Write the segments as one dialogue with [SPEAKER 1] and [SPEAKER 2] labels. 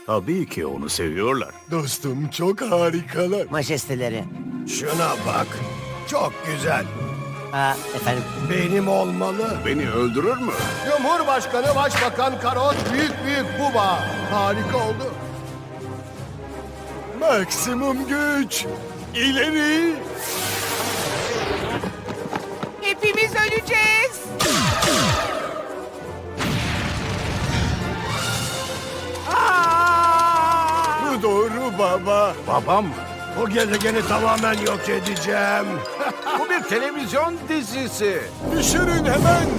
[SPEAKER 1] Tabii ki onu seviyorlar.
[SPEAKER 2] Dostum çok harikalar.
[SPEAKER 3] Majesteleri.
[SPEAKER 2] Şuna bak. Çok güzel.
[SPEAKER 3] Efendim.
[SPEAKER 2] Benim olmalı.
[SPEAKER 1] Beni öldürür mü?
[SPEAKER 2] Cumhurbaşkanı, Başbakan, Karot, büyük buba. Harika oldu. Maksimum güç. İleri.
[SPEAKER 4] Hepimiz öleceğiz.
[SPEAKER 2] Bu doğru baba.
[SPEAKER 1] Babam mı?
[SPEAKER 2] O gezegeni tamamen yok edeceğim.
[SPEAKER 1] Bu bir televizyon dizisi.
[SPEAKER 2] Düşürün hemen.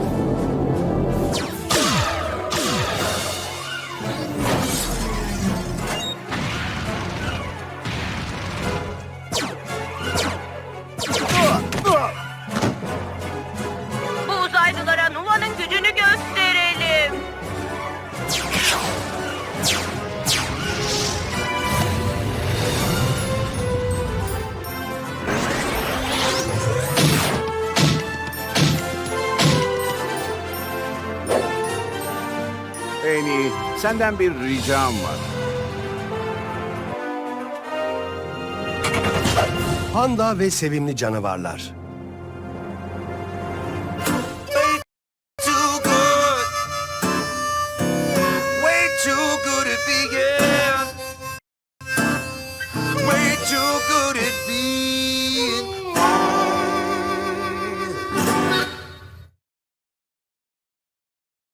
[SPEAKER 5] Bu uzaylılara Nuva'nın gücünü gösterelim.
[SPEAKER 1] En iyi, senden bir ricam var.
[SPEAKER 2] Panda ve sevimli canavarlar.